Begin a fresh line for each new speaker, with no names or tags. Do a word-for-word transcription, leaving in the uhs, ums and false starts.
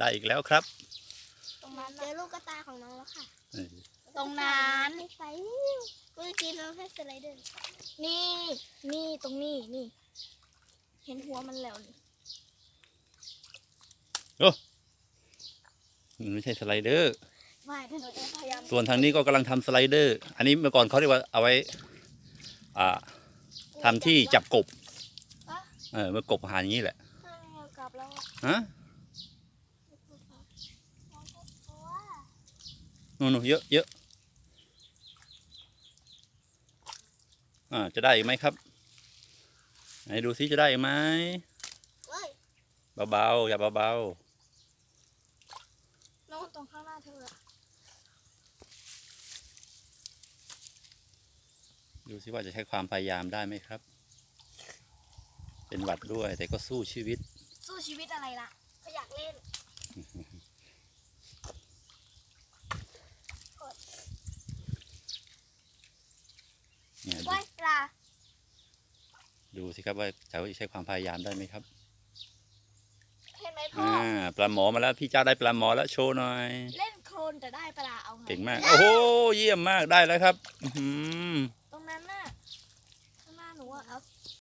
ได้อีกแล้วครับ
ตรงนั้นเจอลูกกระตายของน้องแล้วค่ะ
เออ
ตรงนั้นให้ไปเมื่อกี้น้องให้สไลเดอร์นี่นี่ตรงนี้นี่ เห็นหัวมันแล้วนี่
โอ้มันไม่ใช่สไลเดอร์
ไม่ถ้าหนูจะพยายาม
ส่วนทางนี้ก็กำลังทำสไลเดอร์ อันนี้เมื่อก่อนเขาเรียกว่าเอาไว้อ่าทำที่จับกบเออเมื่อกบหาอย่างนี้แหละ
กลับแล้ว
ฮะนู่นๆเยอะเยอะอ่าจะได้อีกไหมครับไหนดูซิจะได้อีกไหมเบาๆอย่าเบาๆ
น้องตรงข้างหน้าเธอ
ดูสิว่าจะใช้ความพยายามได้ไหมครับ เป็นหวัดด้วยแต่ก็สู้ชีวิต
สู้ชีวิตอะไรล่ะก็อยากเล่น
เนี่ยดู
ว่ายปลา
ดูสิครับว่าจะใช้ความพยายามได้ไหมครับ
เห็นไหมพ่อ
อ่าปลาหมอมาแล้วพี่เจ้าได้ปลาหมอแล้วโชว์หน่อย
เล่นโคลนแต่ได้ปลาเอาไง
เก่งมาก โอ้โหเยี่ยมมากได้แล้วครับ อื้อหือ